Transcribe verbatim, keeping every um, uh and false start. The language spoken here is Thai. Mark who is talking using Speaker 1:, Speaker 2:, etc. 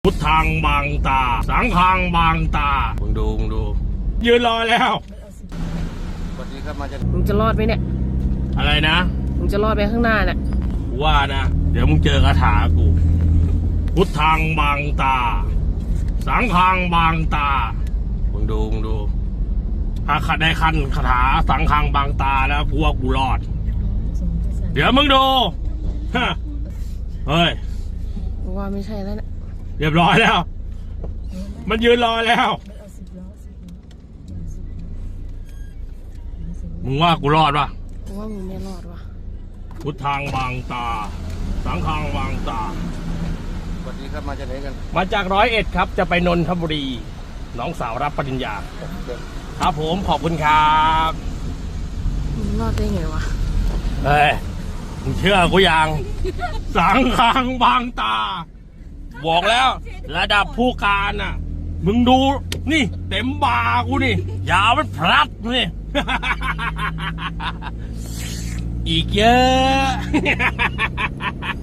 Speaker 1: พุทธังบางตาสังฆังบางตามึงดูมึงดูยืนรอแล้ว
Speaker 2: สวัสดีครับมาจาก
Speaker 3: มึงจะรอดไหมเนี่ย
Speaker 1: อะไรนะ
Speaker 3: มึงจะรอดไปข้างหน้าเนี่ย
Speaker 1: ว่านะเดี๋ยวมึงเจอคาถากูพุทธังบางตาสังฆังบางตามึงดูมึงดูถ้าขัดได้คันคาถาสังฆังบางตาแล้วกูว่ากูรอดเดี๋ยวมึงดูฮะเฮ้ย
Speaker 3: กูว่าไม่ใช่แล้วเนี่ย
Speaker 1: เรียบร้อยแล้วมันยืนรอแล้วมึงว่ากูรอดปะ
Speaker 3: กูว่ามึงไม่รอดวะ
Speaker 1: พุทธังบางตาสังฆังบางตา
Speaker 2: สวัสดีครับมาจากไหนกัน
Speaker 1: มาจากร้อยเอ็ดครับจะไปนนทบุรีน้องสาวรับปริญญาครับผมขอบคุณครับ
Speaker 3: มึงรอดได้ไงวะ
Speaker 1: เฮ้ยมึงเชื่อกูยังสังฆังบางตาบอกแล้วระดับผู้การน่ะมึงดูนี่เต็มบากูนี่ยาวมันพลัดนี่ อีกเยอะ